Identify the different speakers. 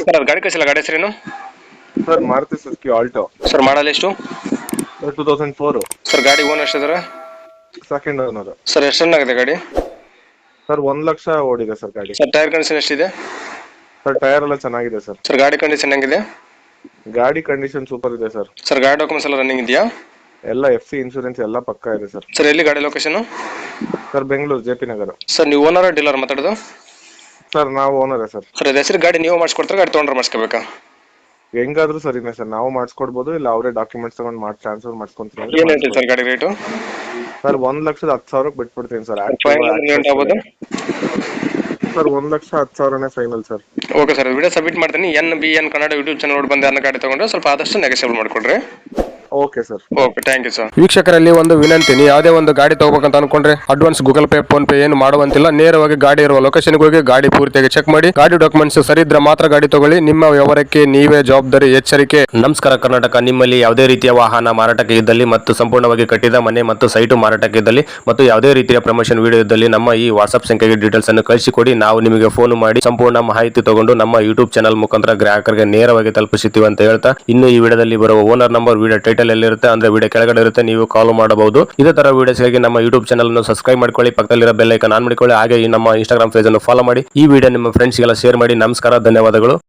Speaker 1: Sir ಅದು ಗಾಡಿ ಕಳಿಸಿಲ್ಲ, ಗಾಡಿ ಹೆಸರೇನು?
Speaker 2: Sir Maruti Suzuki Alto
Speaker 1: sir model ಎಷ್ಟು?
Speaker 2: 2004.
Speaker 1: ಸರ್ ಗಾಡಿ ಓನರ್ ಎಷ್ಟಿದ್ದಾರೆ?
Speaker 2: Second owner.
Speaker 1: ಸರ್ ಎಷ್ಟು ರನ್ ಆಗಿದೆ ಗಾಡಿ?
Speaker 2: ಸರ್ 1 ಲಕ್ಷ ಓಡಿದೆ ಸರ್ ಗಾಡಿ.
Speaker 1: ಸರ್ ಟೈರ್ ಕಂಡೀಷನ್ ಎಷ್ಟಿದೆ?
Speaker 2: ಸರ್ ಟೈರ್ ಎಲ್ಲ ಚೆನ್ನಾಗಿದೆ ಸರ್.
Speaker 1: ಸರ್ ಗಾಡಿ ಕಂಡೀಷನ್ ಹೆಂಗಿದೆ?
Speaker 2: ಗಾಡಿ ಕಂಡೀಷನ್ ಸೂಪರ್ ಇದೆ ಸರ್.
Speaker 1: ಸರ್ ಗಾಡಿ ಡಾಕ್ಯುಮೆಂಟ್ಸ್ ಎಲ್ಲ ರನ್ನಿಂಗ್ ಇದೆಯಾ?
Speaker 2: ಎಲ್ಲ FC ಇನ್ಶೂರೆನ್ಸ್ ಎಲ್ಲ ಪಕ್ಕಾ ಇದೆ ಸರ್.
Speaker 1: ಸರ್ ಎಲ್ಲಿ ಗಾಡಿ location?
Speaker 2: Sir Bengaluru JP Nagar.
Speaker 1: Sir ನೀವು ಓನರ್ ಡೀಲರ್ ಮಾತಾಡೋದು?
Speaker 2: ಸರ್ ನಾವು ಓನರೇ ಸರ್.
Speaker 1: ಸರ್ ಅದು ಹೆಸರು ಗಾಡಿ ನೀವು ಮಾಡಿಸ್ಕೊಡ್ತಾರೆ, ಗಾಡಿ ತೊಗೊಂಡ್ರೆ ಮಾಡಿಸ್ಕೋಬೇಕಾ?
Speaker 2: ಹೆಂಗಾದ್ರೂ ಸರಿನೇ ಸರ್, ನಾವು ಮಾಡಿಸ್ಕೊಡ್ಬೋದು, ಇಲ್ಲ ಅವರೇ ಡಾಕ್ಯುಮೆಂಟ್ಸ್ ತಗೊಂಡು ಟ್ರಾನ್ಸ್ಫರ್ ಮಾಡ್ಸ್ಕೊಂತೀವಿ.
Speaker 1: ಏನು ಹೇಳ್ತೀವಿ ಸರ್ ಗಾಡಿ ರೇಟು?
Speaker 2: ಸರ್ 1,10,000 ಬಿಟ್ಬಿಡ್ತೀನಿ ಸರ್.
Speaker 1: ಆಗ್ಬೋದು
Speaker 2: sir 1,10,000 final sir.
Speaker 1: Okay sir, video submit ಮಾಡ್ತೀನಿ. NBN ಕನ್ನಡ ಯೂಟ್ಯೂಬ್ ಚಾನಲ್ ನೋಡಿ ಬಂದು ಯಾರನ್ನ ಗಾಡಿ ತಗೊಂಡ್ರೆ ಸ್ವಲ್ಪ ಆದಷ್ಟು ನೆಗೆಸಿಬಲ್ ಮಾಡಿಕೊಡ್ರಿ.
Speaker 2: Okay sir.
Speaker 1: Okay, thank you sir.
Speaker 3: ವೀಕ್ಷಕರಲ್ಲಿ ಒಂದು ವಿನಂತಿ, ನೀವು ಯಾವುದೇ ಒಂದು ಗಾಡಿ ತಗೋಬೇಕಂತ ಅನ್ಕೊಂಡ್ರೆ advance Google pay PhonePe ಏನು ಮಾಡುವಂತಿಲ್ಲ. ನೇರವಾಗಿ ಗಾಡಿ ಇರುವ ಲೊಕೇಶನ್ಗೆ ಹೋಗಿ ಗಾಡಿ ಪೂರ್ತಿಯಾಗಿ ಚೆಕ್ ಮಾಡಿ, ಗಾಡಿ ಡಾಕ್ಯುಮೆಂಟ್ಸ್ ಸರಿ ಇದ್ರೆ ಮಾತ್ರ ಗಾಡಿ ತಗೊಳ್ಳಿ. ನಿಮ್ಮ ವ್ಯವಹಾರಕ್ಕೆ ನೀವೇ ಜವಾಬ್ದಾರಿ. ಎಚ್ಚರಿಕೆ.
Speaker 4: ನಮಸ್ಕಾರ ಕರ್ನಾಟಕ. ನಿಮ್ಮಲ್ಲಿ ಯಾವುದೇ ರೀತಿಯ ವಾಹನ ಮಾರಾಟಕ್ಕೆ ಇದ್ದಲ್ಲಿ ಮತ್ತು ಸಂಪೂರ್ಣವಾಗಿ ಕಟ್ಟಿದ ಮನೆ ಮತ್ತು ಸೈಟು ಮಾರಾಟಕ್ಕೆ ಇದ್ದಲ್ಲಿ ಮತ್ತು ಯಾವುದೇ ರೀತಿಯ ಪ್ರಮೋಷನ್ ವಿಡಿಯೋ ಇದ್ದಲ್ಲಿ ನಮ್ಮ ಈ ವಾಟ್ಸ್ಆಪ್ ಸಂಖ್ಯೆಗೆ ಡೀಟೇಲ್ಸ್ ಅನ್ನು ಕಳಿಸಿಕೊಡಿ. ನಾವು ನಿಮಗೆ ಫೋನ್ ಮಾಡಿ ಸಂಪೂರ್ಣ ಮಾಹಿತಿ ತಗೊಂಡು ನಮ್ಮ ಯೂಟ್ಯೂಬ್ ಚಾನಲ್ ಮುಖಾಂತರ ಗ್ರಾಹಕರಿಗೆ ನೇರವಾಗಿ ತಲುಪಿಸುತ್ತೀವಿ ಅಂತ ಹೇಳ್ತಾ, ಇನ್ನು ಈ ವಿಡಿಯೋದಲ್ಲಿ ಬರುವ ಓನರ್ ನಂಬರ್ ವಿಡಿಯೋ ಟೈಟಲ್ ಎಲ್ಲಿರುತ್ತೆ ಅಂದ್ರೆ ವಿಡಿಯೋ ಕೆಳಗಡೆ ಇರುತ್ತೆ, ನೀವು ಕಾಲ್ ಮಾಡಬಹುದು. ಇದೇ ತರ ವಿಡಿಯೋಸ್ಗಾಗಿ ನಮ್ಮ ಯೂಟ್ಯೂಬ್ ಚಾನಲ್ ಅನ್ನು ಸಬ್ಸ್ಕ್ರೈಬ್ ಮಾಡ್ಕೊಳ್ಳಿ, ಪಕ್ಕದಲ್ಲಿರೋ ಬೆಲ್ ಐಕಾನ್ ಆನ್ ಮಾಡಿಕೊಳ್ಳಿ. ಹಾಗೆ ಈ ನಮ್ಮ ಇನ್ಸ್ಟಾಗ್ರಾಮ್ ಪೇಜ್ ಅನ್ನು ಫಾಲೋ ಮಾಡಿ. ಈ ವಿಡಿಯೋ ನಿಮ್ಮ ಫ್ರೆಂಡ್ಸ್ಗೆಲ್ಲ ಶೇರ್ ಮಾಡಿ. ನಮಸ್ಕಾರ, ಧನ್ಯವಾದಗಳು.